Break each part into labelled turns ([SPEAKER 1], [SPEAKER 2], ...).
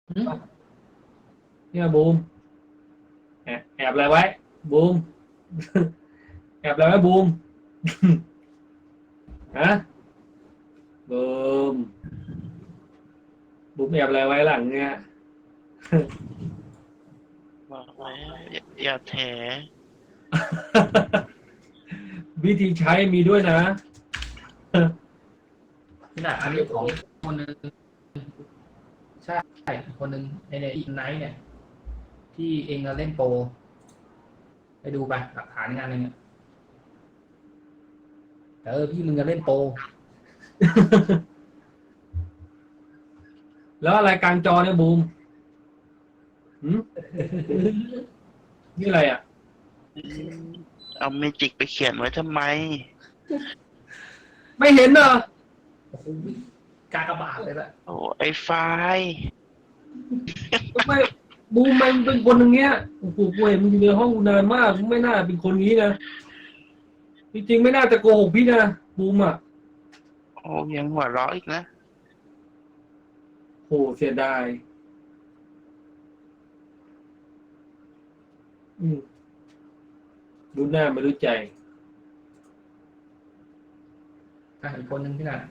[SPEAKER 1] หึ
[SPEAKER 2] เนี่ยบูมแอบอะไรไว้บูมแอบอะไรไว้บูมฮะบูมบูมแอบอะไรไว้หลังเนี่ย
[SPEAKER 3] บอกแล้วอย่าแถ
[SPEAKER 2] วิธีใช้มีด้วยนะ
[SPEAKER 1] นี่นะอันนี้ของคนหนึ่งใช่คนหนึ่งในอีกไนท์เนี่ยที่เองเล่นโปรไปดูไปหลักฐานงานอะไรเนี่ยพี่มึงจะเล่นโปร
[SPEAKER 2] แล้วอะไรกลางจอเนี่ยบูมหืมนี่อะไรอ่ะ
[SPEAKER 3] เอาเมจิกไปเขียนไว้ทำไม
[SPEAKER 2] ไม่เห็นเหรอ
[SPEAKER 1] โอ้โหกากบาทเลยละ
[SPEAKER 3] โอ้ไอ้ไฟล์
[SPEAKER 2] ไม่บูมมันเป็นคนอย่างเงี้ยโอ้โหกูเห็นมึงอยู่ในห้องกูนานมากมึงไม่น่าเป็นคนนี้นะจริงๆไม่น่าจะโกหกพี่นะบูมอ่ะ
[SPEAKER 3] โอ้ยังหัวเราะอีกนะ
[SPEAKER 2] โหเสียดายอืมรู้หน้าไม่รู้ใจ
[SPEAKER 1] อีกคนหนึ่งพี่น่ะ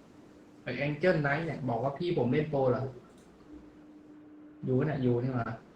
[SPEAKER 1] ไอแองเจิลไนท์เนี่ยบอกว่าพี่ผมเล่นโปรเหรออยู่เนี่ยอยู่นี่มา